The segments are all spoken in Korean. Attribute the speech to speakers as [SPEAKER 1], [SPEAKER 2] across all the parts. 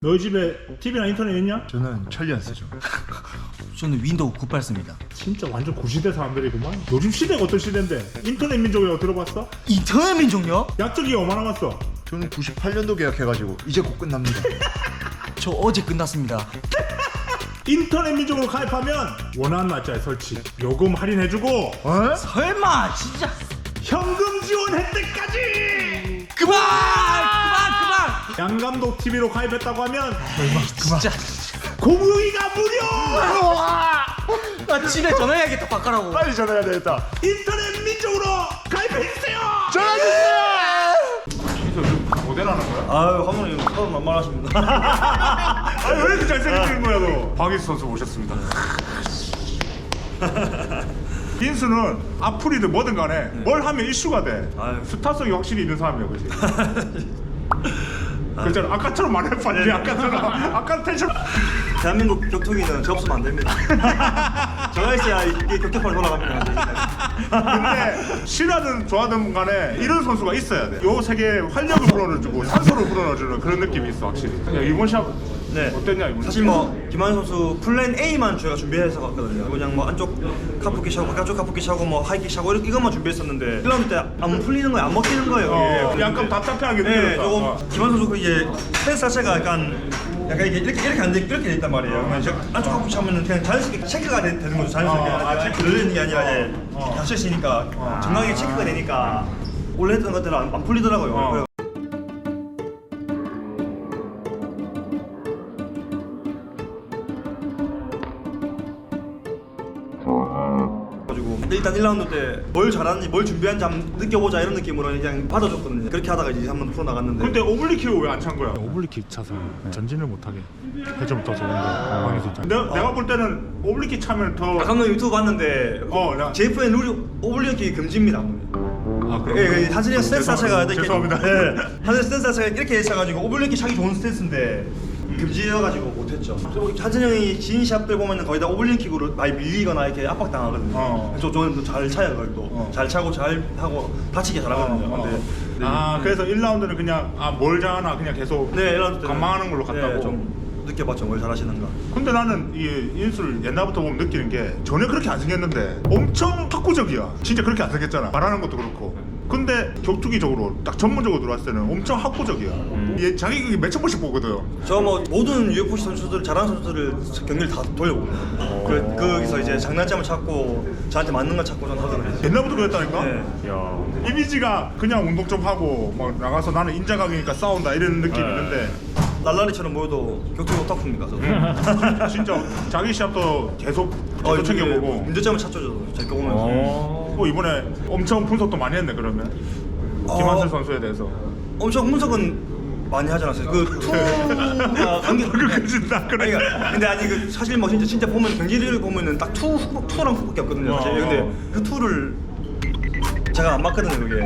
[SPEAKER 1] 너희 집에 TV나 인터넷 있냐?
[SPEAKER 2] 저는 천리안 쓰죠.
[SPEAKER 3] 저는 윈도우 98 씁니다.
[SPEAKER 1] 진짜 완전 구시대 사람들이구만. 요즘 시대가 어떤 시대인데 인터넷 민족이라고 들어봤어?
[SPEAKER 3] 인터넷 민족요?
[SPEAKER 1] 약적이 얼마나 남았어?
[SPEAKER 2] 저는 98년도 계약해가지고 이제 곧 끝납니다.
[SPEAKER 3] 저 어제 끝났습니다.
[SPEAKER 1] 인터넷 민족으로 가입하면 원하는 날짜에 설치, 요금 할인해주고
[SPEAKER 2] 어?
[SPEAKER 3] 설마 진짜
[SPEAKER 1] 현금 지원 혜택까지!
[SPEAKER 3] 그만!
[SPEAKER 1] 양감독 TV로 가입했다고 하면
[SPEAKER 3] 진짜
[SPEAKER 1] 공유기가 무료!
[SPEAKER 3] 나 집에 전화해야겠다 바꿔라고.
[SPEAKER 2] 빨리 전화해야 되겠다.
[SPEAKER 1] 인터넷 민족으로 가입해주세요!
[SPEAKER 2] 전화주세요!
[SPEAKER 1] 모델하는 거야?
[SPEAKER 4] 아유 감독님 처음 만만하십니다.
[SPEAKER 1] 아니 왜 이렇게 잘생기는 거야 너? 박인수 선수 모셨습니다. 인수는 악플이든 뭐든 간에 뭘 하면 이슈가 돼.
[SPEAKER 4] 아유.
[SPEAKER 1] 스타성이 확실히 있는 사람이야, 그지? 그잖아. 아까처럼 말할 판이 아까처럼. 아까 텐션.
[SPEAKER 4] 대한민국 격투기는 저 없으면 안 됩니다. 저가 있어야 이게 격투판이 돌아갑니다.
[SPEAKER 1] 근데 싫어하든 좋아하든 간에 이런 선수가 있어야 돼. 요 세계에 활력을 불어넣어주고 산소를 불어넣어주는 그런 느낌이 있어, 확실히. 야, 이번 시합
[SPEAKER 4] 네.
[SPEAKER 1] 어땠냐 이번?
[SPEAKER 4] 사실 뭐 김한현 선수 플랜 A만 저희가 준비해서 갔거든요. 그냥 뭐 안쪽 카프킥 차고 바깥쪽 카프킥 차고 뭐 하이킥 차고 이것만 준비했었는데 1라운드 때 안 풀리는 거예요. 안 먹히는 거예요. 이게.
[SPEAKER 1] 약간 답답해하게
[SPEAKER 4] 네,
[SPEAKER 1] 느껴졌다.
[SPEAKER 4] 조금 김한현 선수 그 이제 스탠스 자체가 약간 이렇게 안 돼, 이렇게 돼 있단 말이에요. 그러면 저 안쪽 카프킥 차면은 그냥 자연스럽게 체크가 되는 거죠. 자연스럽게 들리는 게 아니라 이제 닫혀 있으니까 정강하게 체크가 되니까 원래 했던 것들은 안 풀리더라고요. 그래서 가지고 일단 1라운드 때 뭘 잘하는지 뭘 준비하는지 한번 느껴보자 이런 느낌으로 그냥 받아줬거든요. 그렇게 하다가 이제 한번 풀어 나갔는데
[SPEAKER 1] 근데 오블리킥을 왜 안 찬 거야? 오블리킥 차서 전진을 못하게 해주면 더 좋은데 방에서 있잖아. 내가 볼 때는 오블리킥 차면 더
[SPEAKER 4] 감독님 유튜브 봤는데 JFN 룰이 오블리킥 금지입니다.
[SPEAKER 1] 아, 그럼?
[SPEAKER 4] 예, 한슬이 스탠스 자체가 이렇게
[SPEAKER 1] 죄송합니다.
[SPEAKER 4] 예, 한슬이 스탠스 자체가 이렇게 차가지고 오블리킥 차기 좋은 스탠스인데 금지여가지고 못했죠. 한슬이 형이 진 시합들 보면은 거의 다 오블리킥으로 많이 밀리거나 이렇게 압박당하거든요. 저는 잘 차요 그걸 또. 잘 차고 잘 하고 다치게 잘하거든요. 근데
[SPEAKER 1] 그래서 1라운드는 그냥 뭘 잘하나 그냥 계속
[SPEAKER 4] 네, 1라운드 때
[SPEAKER 1] 관망하는 걸로 갔다고.
[SPEAKER 4] 좀 느껴봤죠. 뭘 잘하시는가.
[SPEAKER 1] 근데 나는 이 인수를 옛날부터 보면 느끼는 게 전혀 그렇게 안 생겼는데 엄청 학구적이야. 진짜 그렇게 안 생겼잖아. 말하는 것도 그렇고. 근데 격투기적으로 딱 전문적으로 들어왔을 때는 엄청 학구적이야. 얘 자기 그게 몇천 번씩 보거든.
[SPEAKER 4] 저 뭐 모든 UFC 선수들 잘하는 선수들을 경기를 다 돌려보거든요. 거기서 이제 장단점을 찾고 저한테 맞는 걸 찾고 저는 하거든요.
[SPEAKER 1] 옛날부터 그랬다니까?
[SPEAKER 4] 네.
[SPEAKER 1] 야. 이미지가 그냥 운동 좀 하고 막 나가서 나는 인자강이니까 싸운다 이런 느낌이 있는데
[SPEAKER 4] 랄라리처럼 보여도 격투기 오타쿠입니다. 저도.
[SPEAKER 1] 진짜 자기 시합도 계속 챙겨보고
[SPEAKER 4] 문제점을 찾죠. 저도 제가 보면서.
[SPEAKER 1] 이번에 엄청 분석도 많이 했네 그러면 김한슬 선수에 대해서.
[SPEAKER 4] 엄청 분석은 많이 하지 않았어요. 그 투가 관계
[SPEAKER 1] 그진다 그래.
[SPEAKER 4] 근데 아니 그 사실 뭐 진짜 보면 경기를 보면은 딱 투랑 후밖에 없거든요. 사실. 근데 그 투를 제가 안 맞거든요 그게.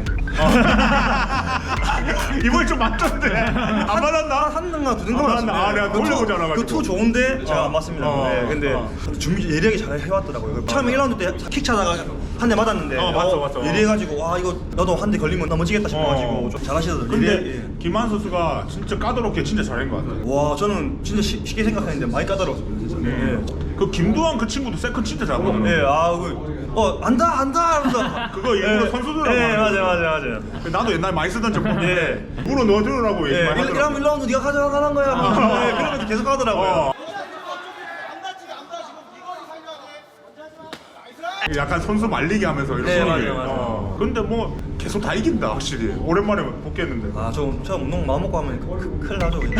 [SPEAKER 1] 이번에 좀 맞던데 안 맞았나?
[SPEAKER 4] 한 등가 두 등가
[SPEAKER 1] 안 맞았나? 내가 돌려보지 않아가지고.
[SPEAKER 4] 그투 좋은데 제가 안 맞습니다. 네, 근데 준비 예리하게 잘 해왔더라고요. 처음에 1라운드 때 킥 차다가 한 대 맞았는데
[SPEAKER 1] 맞어.
[SPEAKER 4] 예리해가지고 와 이거 나도 한 대 걸리면 넘어지겠다 싶어가지고 좀 잘하시더라고요.
[SPEAKER 1] 근데 김한 선수가 진짜 까다롭게 진짜 잘한 것 같아.
[SPEAKER 4] 와 저는 진짜 쉽게 생각했는데 많이 까다로웠어요 진짜.
[SPEAKER 1] 그 김두한 그 친구도 세컨 진짜 잘하거든.
[SPEAKER 4] 네, 안다 하면서
[SPEAKER 1] 그거 일부러 선수들하고
[SPEAKER 4] 네,
[SPEAKER 1] 하는
[SPEAKER 4] 맞아요.
[SPEAKER 1] 나도 옛날에 많이 쓰던 제품.
[SPEAKER 4] 네.
[SPEAKER 1] 물어 넣어주라고 얘기 많이 하더라고.
[SPEAKER 4] 1라운드 네가 가져가는 거야. 네, 그러면서 계속 하더라고요.
[SPEAKER 1] 약간 선수 말리기 하면서 이런
[SPEAKER 4] 네,
[SPEAKER 1] 소리를.
[SPEAKER 4] 맞아요.
[SPEAKER 1] 근데 뭐 계속 다 이긴다 확실히. 오랜만에 복귀했는데.
[SPEAKER 4] 저 운동 마음 먹고 하면 큰일 나죠 그냥.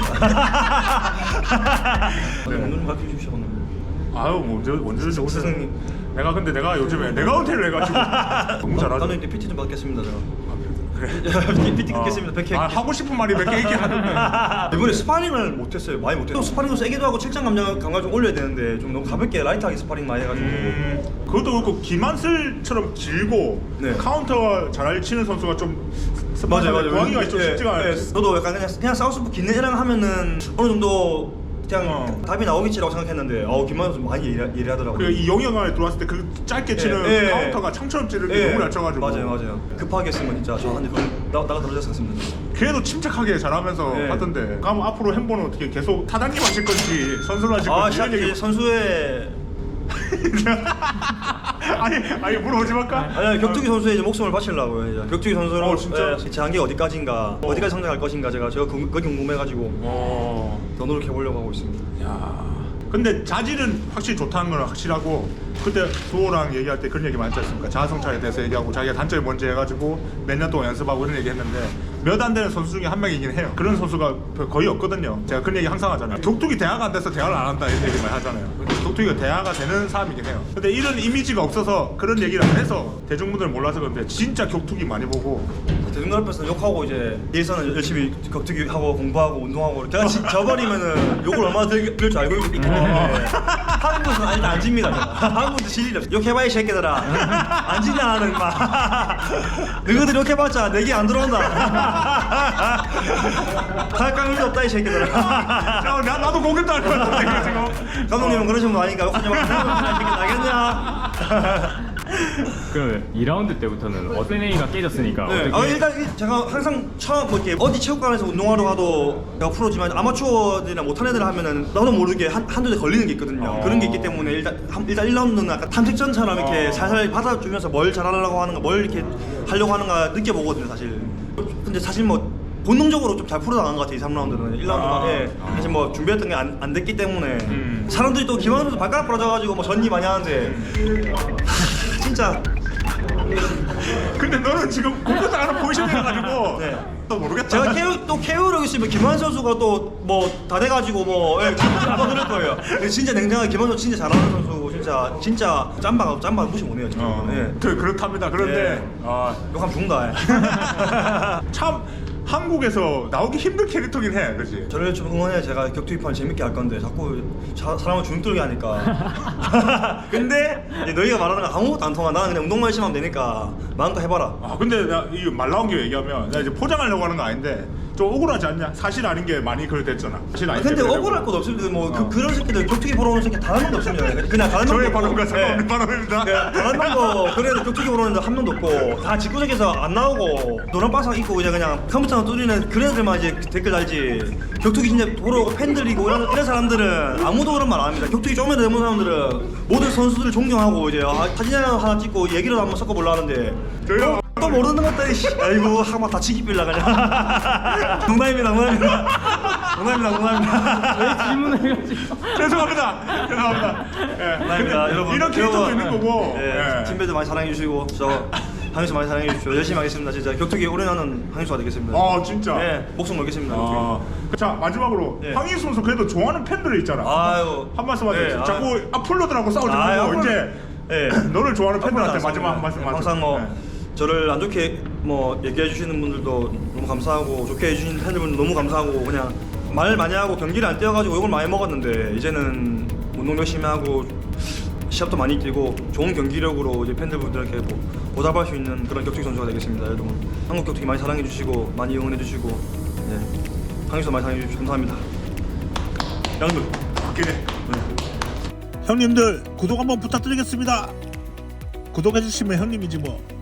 [SPEAKER 4] 운동 좀 가르쳐 주십시오 오늘.
[SPEAKER 1] 아유 뭐 언제든지 오세요.
[SPEAKER 4] 스승님.
[SPEAKER 1] 내가 요즘에 내가 은퇴를 해가지고 너무 잘하죠.
[SPEAKER 4] 나는 이제 PT 좀 받겠습니다 저.
[SPEAKER 1] 그래.
[SPEAKER 4] PT 끊겠습니다 100회.
[SPEAKER 1] 하고 싶은 말이 몇 개 있긴 하는데.
[SPEAKER 4] 이번에 스파링을 못했어요. 많이 못했어요. 스파링도 세게도 하고 책장 감각 좀 올려야 되는데 좀 너무 가볍게 라이트하게 스파링 많이 해가지고.
[SPEAKER 1] 그것도 그렇고 김한슬처럼 길고
[SPEAKER 4] 네.
[SPEAKER 1] 카운터가 잘 치는 선수가 좀
[SPEAKER 4] 맞아요.
[SPEAKER 1] 구하기가 좀 쉽지가 않아요.
[SPEAKER 4] 저도 약간 그냥 사우스포 긴 애랑 하면은 어느 정도 그냥 답이 나오겠지라고 생각했는데 김만호 선수 많이 예리하더라고요.
[SPEAKER 1] 그 이 영역 안에 들어왔을 때 그 짧게 치는 카운터가 창처럼 찌르는 게 너무 잘 쳐가지고.
[SPEAKER 4] 맞아요. 급하게 했으면 진짜 저 한 대 나가 떨어졌을 것 같습니다.
[SPEAKER 1] 걔도 침착하게 잘하면서
[SPEAKER 4] 네.
[SPEAKER 1] 하던데. 그럼 앞으로 햄버는 어떻게 계속 타당님 하실 건지 선수를 하실
[SPEAKER 4] 아,
[SPEAKER 1] 건지
[SPEAKER 4] 시작
[SPEAKER 1] 이런 얘기.
[SPEAKER 4] 선수의
[SPEAKER 1] 아니 물어보지 말까?
[SPEAKER 4] 아니 격투기 선수의 이제 목숨을 바치려고요. 이제 격투기 선수로
[SPEAKER 1] 진짜?
[SPEAKER 4] 제 한계가 어디까지인가, 어디까지 성장할 것인가 제가 그게 궁금해가지고 더 노력해 보려고 하고 있습니다.
[SPEAKER 1] 야. 근데 자질은 확실히 좋다는 건 확실하고 그때 두호랑 얘기할 때 그런 얘기 많지 않습니까? 자아성찰에 대해서 얘기하고 자기가 단점이 뭔지 해가지고 몇 년 동안 연습하고 이런 얘기 했는데 몇 안 되는 선수 중에 한 명이긴 해요. 그런 선수가 거의 없거든요. 제가 그런 얘기 항상 하잖아요. 격투기 대화가 안 돼서 대화를 안 한다 이런 얘기 많이 하잖아요. 근데 격투기가 대화가 되는 사람이긴 해요. 근데 이런 이미지가 없어서 그런 얘기를 안 해서 대중분들 몰라서 그런데 진짜 격투기 많이 보고
[SPEAKER 4] 대중들 앞에서 욕하고 이제 뒤에서는 열심히 격투기 하고 공부하고 운동하고 제가 저버리면은 욕을 얼마나 들을 줄 알고 있기 때문에 한국에서는 일단 안 집니다. 한국도 질 일이 없어. 욕해봐 이 새끼들아. 안 지냐 나는 막. 너희들 욕해봤자 내게 안 들어온다. 갈강 일도 없다 이 새끼들아.
[SPEAKER 1] 나도 공격도 할 것 같은데 지금.
[SPEAKER 4] 감독님은 그러신 분 아니까 욕하지 마. 나겠냐?
[SPEAKER 5] 그럼 2라운드 때부터는 어떤 A가 깨졌으니까
[SPEAKER 4] 네.
[SPEAKER 5] 어떻게
[SPEAKER 4] 일단 제가 항상 처음 뭐 이렇게 어디 체육관에서 운동하러 가도 제가 프로지만 아마추어들이나 못한 애들 하면은 나도 모르게 한두 대 걸리는 게 있거든요. 그런 게 있기 때문에 일단 1라운드는 약간 탐색전처럼 이렇게 살살 받아주면서 뭘 잘하려고 하는가, 뭘 이렇게 하려고 하는가 느껴보거든요, 사실. 근데 사실 뭐 본능적으로 좀 잘 풀어나간 것 같아요, 2, 3라운드는. 1라운드만 사실 뭐 준비했던 게 안 됐기 때문에 사람들이 또 김환 선수 발가락 부러져가지고 뭐 전이 많이 하는데 진짜
[SPEAKER 1] 근데 너는 지금 공격도 안 하는 포지션이라 가지고
[SPEAKER 4] 네.
[SPEAKER 1] 또 모르겠다.
[SPEAKER 4] 제가 케어력 있으면 김환 선수가 또 뭐 다 돼가지고 뭐 한번 들을 거예요. 근데 진짜 냉정하게 김환 선수 진짜 잘하는 선수 진짜 짬바가 무시 못해요 진짜. 예.
[SPEAKER 1] 그렇답니다. 그런데
[SPEAKER 4] 예. 욕하면 죽는다.
[SPEAKER 1] 참 한국에서 나오기 힘든 캐릭터긴 해, 그렇지?
[SPEAKER 4] 저를 좀 응원해. 제가 격투기판 재밌게 할 건데 자꾸 사람을 주눅들게 하니까. 근데 이제 너희가 말하는 거 아무것도 안 통하. 나는 그냥 운동만 열심히 하면 되니까 마음껏 해봐라.
[SPEAKER 1] 근데 말 나온 김에 얘기하면 나 이제 포장하려고 하는 거 아닌데 좀 억울하지 않냐? 사실 아닌 게 많이 그랬댔잖아. 사실 아닌
[SPEAKER 4] 근데
[SPEAKER 1] 게
[SPEAKER 4] 억울할 것도 없습니다. 뭐 그런 새끼들 격투기 보러 오는 새끼 단 한 명도 없습니다. 그냥 단 한 명도
[SPEAKER 1] 저의
[SPEAKER 4] 없고.
[SPEAKER 1] 발언과 상관없는
[SPEAKER 4] 예.
[SPEAKER 1] 발언입니다.
[SPEAKER 4] 단 한 명도 그래도 격투기 보러 오는 데 한 명도 없고 다 직구석에서 안 나오고 노란 바삭 입고 그냥 컴퓨터만 뚫리는 그런 애들만 이제 댓글 달지. 격투기 진짜 보러 오고 팬들이고 이런 사람들은 아무도 그런 말 안 합니다. 격투기 좀이라도 해본 사람들은 모든 선수들을 존경하고 이제 사진 하나 찍고 얘기를 한번 섞어보려 하는데
[SPEAKER 1] 저희가
[SPEAKER 4] 또 모르는 것들이 아이고 한번 다치기 빌라 그냥. 농담입니다.
[SPEAKER 5] 왜 질문을 해가지고
[SPEAKER 1] 죄송합니다. 예.
[SPEAKER 4] 농담입니다.
[SPEAKER 1] 근데
[SPEAKER 4] 여러분
[SPEAKER 1] 이런 캐릭터도 있는 거고.
[SPEAKER 4] 예.
[SPEAKER 1] 예.
[SPEAKER 4] 팀배도 많이 사랑해 주시고 저 항수 많이 사랑해 주십시오. 열심히 하겠습니다. 진짜 격투기 올인하는 항수가 되겠습니다.
[SPEAKER 1] 진짜.
[SPEAKER 4] 예, 목숨 걸겠습니다. 격투기.
[SPEAKER 1] 자 마지막으로
[SPEAKER 4] 예.
[SPEAKER 1] 황희수 선수 그래도 좋아하는 팬들이 있잖아.
[SPEAKER 4] 아유.
[SPEAKER 1] 한 말씀 하세요.
[SPEAKER 4] 예,
[SPEAKER 1] 자꾸 앞플로들하고 싸우지 말고 이제
[SPEAKER 4] 예.
[SPEAKER 1] 너를 좋아하는 팬들한테
[SPEAKER 4] 앞으로
[SPEAKER 1] 마지막 한 말씀 하세요.
[SPEAKER 4] 항상 뭐
[SPEAKER 1] 예.
[SPEAKER 4] 저를 안 좋게 뭐 얘기해 주시는 분들도 너무 감사하고 좋게 해주신 팬들분들 너무 감사하고 그냥 말 많이 하고 경기를 안 뛰어가지고 욕을 많이 먹었는데 이제는 운동 열심히 하고 시합도 많이 뛰고 좋은 경기력으로 이제 팬들분들에게 보답할 수 있는 그런 격투기 선수가 되겠습니다. 여러분 한국 격투기 많이 사랑해 주시고 많이 응원해 주시고 한국에서 많이 사랑해 주시고 감사합니다. 양들.
[SPEAKER 1] 그래.
[SPEAKER 6] 형님들 구독 한번 부탁드리겠습니다. 구독해주시면 형님이지 뭐.